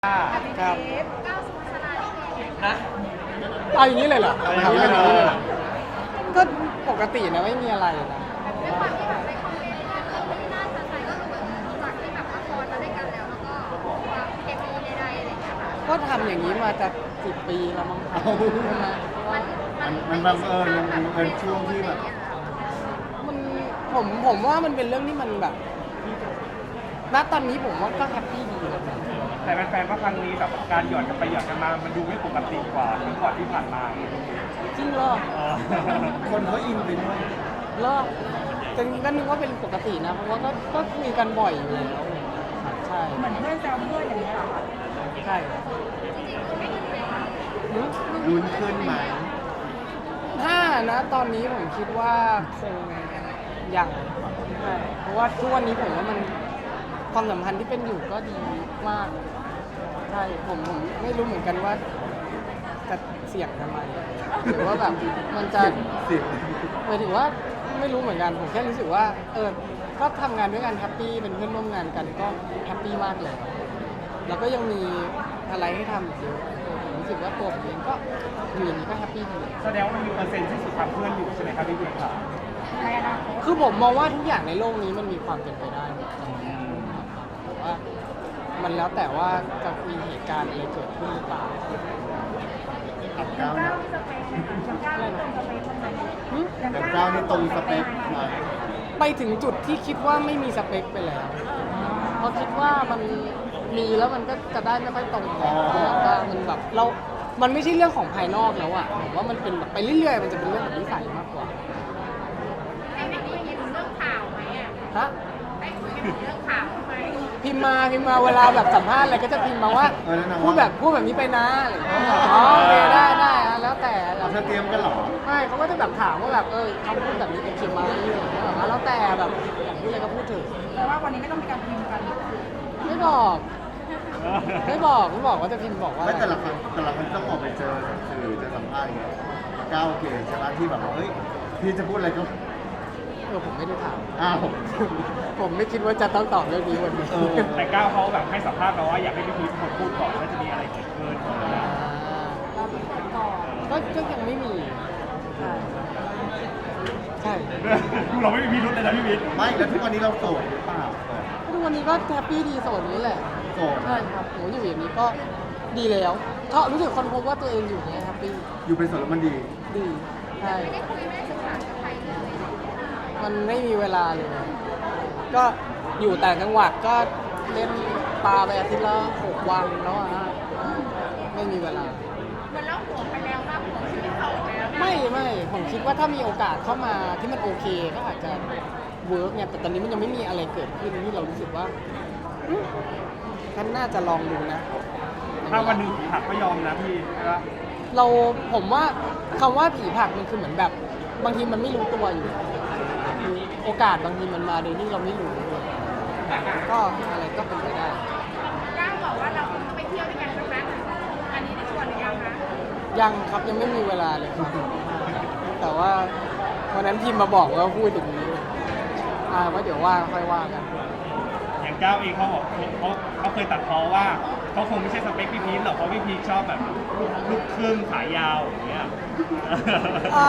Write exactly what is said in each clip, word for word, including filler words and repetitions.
ครับนะเอาอย่างนี้เลยเหรอเอาอย่างนี้เลยเหรอนี้เลยเหรอก็ปกตินะไม่มีอะไรนะด้วยความที่แบบในคอมเมนต์เนี่ยที่น่าสนใจก็คือเหมือนจากที่แบบละครมาด้วยกันแล้วแล้วก็ความเคมีใดๆอะไรอย่างเงี้ยค่ะก็ทำอย่างนี้มาจะสิบปีแล้วมั้งครับใช่ไหมมันมันมันบังเอิญมันเป็นช่วงที่แบบมันผมผมว่ามันเป็นเรื่องที่มันแบบณตอนนี้ผมว่าก็แฮปปี้ดีนะแต่แฟนๆว่าครั้งนี้แบบการหยอดกันไปหยอดกันมา มันดูไม่ปกติกว่าทั้งก่อนที่ผ่านมาจริงเหรอเออคนเขาอินไปด้วยเหรอแต่ก็นึกว่าเป็นปกตินะเพราะว่าก็ก็คุยกันบ่อยอยู่แล้วใช่เหมือนเพื่อนแซวเพื่อนอย่างเงี้ยเหรอคะใช่หืมรุนขึ้นไหมถ้านะตอนนี้ผมคิดว่าคงยังใช่เพราะว่าทุกวันนี้ผมว่ามันความสัมพันธ์ที่เป็นอยู่ก็ดีมากใช่ผมผมไม่รู้เหมือนกันว่าจะเสี่ยงทำไมหรือว่าแบบมันจะสิบหมายถึงว่าไม่รู้เหมือนกันผมแค่รู้สึกว่าเออก็ทำงานด้วยกันแฮปปี้เป็นเพื่อนร่วมงานกันก็แฮปปี้มากเลยแล้วก็ยังมีอะไรให้ทำอีกเยอะเออผมรู้สึกว่าตัวผมเองก็อยู่อย่างนี้ก็แฮปปี้ดีแสดงว่ามันมีเปอร์เซ็นต์ที่สุดทำเพื่อนอยู่ใช่ไหมครับพี่บิ๊กครับในอนาคตคือผมมองว่าทุกอย่างในโลกนี้มันมีความเป็นไปได้หมดแต่ว่ามันแล้วแต่ว่าจะมีเหตุการณ์อะไรเกิดขึ้นหรือเปล่ากับก้าวเก้ามีสเปคไหมคะอย่างเก้ามีสเปคบ้างไหมหึกับก้าวนี่ตรงสเปคไหมไปถึงจุดที่คิดว่าไม่มีสเปคไปแล้วเพราะคิดว่ามันมีแล้วมันก็จะได้ไม่ค่อยตรงกันแล้วก็มันแบบเรา มันไม่ใช่เรื่องของภายนอกแล้วอะผมว่ามันเป็นแบบไปเรื่อยๆ มันจะเป็นเรื่องแบบนิสัยมากกว่าได้ไปคุยกันเรื่องข่าวไหมอ่ะฮะได้คุยกันเรื่องข่าวไหมพิมพ์มาพิมพ์มาเวลาแบบสัมภาษณ์อะไรก็จะพิมพ์มาว่าเออแล้วนางพูดว่าแบบพูดแบบนี้ไปนะอะไรอย่างเงี้ยอ๋อโอเคได้ได้อะแล้วแต่เราจะเตรียมกันเหรอไม่เขาก็จะแบบถามว่าแบบเออคำพูดแบบนี้เป็นจริงไหมอะไรอย่างเงี้ยแบบว่าแล้วแต่แบบอยากพูดอะไรก็พูดเถอะแต่ว่าวันนี้ไม่ต้องมีการพิมพ์กันไม่บอกไม่บอกไม่บอกว่าจะพิมพ์บอกว่าไม่แต่ละครั้งแต่ละครั้งต้องออกไปเจอสื่อเจอสัมภาษณ์อย่างเงี้ยก้าวโอเคใช่ไหมที่แบบว่าเฮ้ยพี่จะพูดอะไรก็เออผมไม่ได้ถามอ้าวผมไม่คิดว่าจะต้องตอบเรื่องนี้วันนี้เออแต่ก้าวเขาแบบให้สัมภาษณ์เราว่าอยากให้พี่พีชคนพูดก่อนว่าจะมีอะไรเกิดขึ้นเราเป็นคนก่อนก็ก็ยังไม่มีใช่ใช่เราไม่มีพิรุธเลยนะพี่พีชไม่แล้วทุกวันนี้เราโสดหรือเปล่าทุกวันนี้ก็แฮปปี้ดีโสดนี้แหละโสดใช่ครับหนูอยู่อย่างนี้ก็ดีแล้วเพราะรู้สึกคนพบว่าตัวเองอยู่อย่างนี้แฮปปี้อยู่เป็นโสดแล้วมันดีดีใช่ไม่ได้คุยไม่ได้ศึกษากับใครเลยมันไม่มีเวลาเลย ก็อยู่ต่างจังหวัดก็เล่นปลาไปอาทิตย์ละหกวันแล้วอะฮะไม่มีเวลาเหมือนเราห่วงไปแล้วว่าห่วงชีวิตเขาแล้วนะไม่ไม่ผมคิดว่าถ้ามีโอกาสเข้ามาที่มันโอเคก็อาจจะเวิร์กเนี่ยแต่ตอนนี้มันยังไม่มีอะไรเกิดขึ้นที่เรารู้สึกว่าอืมฉันน่าจะลองดูนะถ้าวันหนึ่งผีผักก็ยอมนะพี่ใช่ปะเราผมว่าคำว่าผีผลักมันคือเหมือนแบบ บางทีมันไม่รู้ตัวอยู่โอกาสบางทีมันมาโดยที่เราไม่รู้ก็อะไรก็เป็นไปได้ก้าวบอกว่าเราคงต้องไปเที่ยวด้วยกันใช่ไหมอันนี้ได้ชวนหรือยังคะยังครับยังไม่มีเวลาเลยครับแต่ว่าวันนั้นพิมพ์มาบอกว่าพูดอย่างนี้อ่าว่าเดี๋ยวว่าค่อยว่ากันอย่างก้าวเองเขาบอกเขาเขาเคยตัดพ้อว่าเขาคงไม่ใช่สเปคพี่พีชหรอกเพราะพี่พีชชอบแบบลูกครึ่งขายาวอย่างเงี้ยอ่า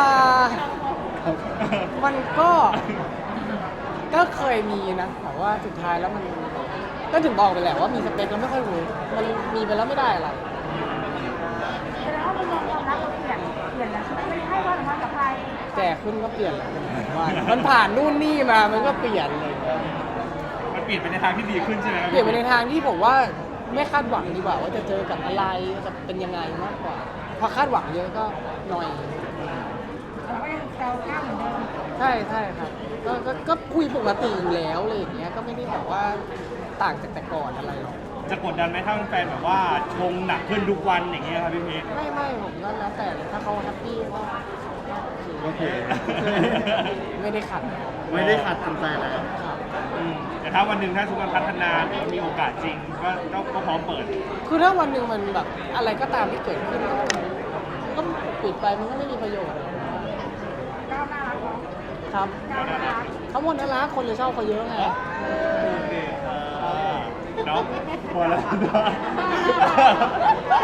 มันก็ก็เคยมีนะแต่ว่าสุดท้ายแล้วมันก็ถึงบอกไปแหละว่ามีสเปคแล้วไม่ค่อยรู้มันมีไปแล้วไม่ได้อะไรแสดงว่ามุมมองความรักเราเปลี่ยนเปลี่ยนแล้วใช่ไหมไม่ได้ให้ความสัมพันธ์กับใครแก่ขึ้นก็เปลี่ยนแหละผมว่ามันผ่านนู่นนี่มามันก็เปลี่ยนเลยมันเปลี่ยนไปในทางที่ดีขึ้นใช่ไหมครับเปลี่ยนไปในทางที่ผมว่าไม่คาดหวังดีกว่าว่าจะเจอกับอะไรจะเป็นยังไงมากกว่าพอคาดหวังเยอะก็หน่อยเราก็ยังแซวก้าวเหมือนเดิมใช่ใช่ครับก็ก็ก็คุยปกติอยู่แล้วอะไรอย่างเงี้ยก็ไม่ได้แบบว่าต่างจากแต่ก่อนอะไรหรอกจะกดดันไหมถ้าแฟนแบบว่าชงหนักขึ้นทุกวันอย่างเงี้ยครับพี่พีชไม่ไม่ผมก็แล้วแต่เลยถ้าเขาแฮปปี้ก็โอเคไม่ได้ขัดไม่ได้ขัดทำใจแล้วครับอืมแต่ถ้าวันหนึ่งถ้าสุขภาพพัฒนาหรือว่ามีโอกาสจริงก็ก็ก็พร้อมเปิดคือถ้าวันหนึ่งมันแบบอะไรก็ตามที่เกิดขึ้นก็ก็ปิดไปมันก็ไม่มีประโยชน์ก้าวน่ารักเนาะครับก้าวน่ารักเขาหมดน่ารักคนเลยชอบเขาเยอะไงโอเคครับเนาะพอแล้วเนาะ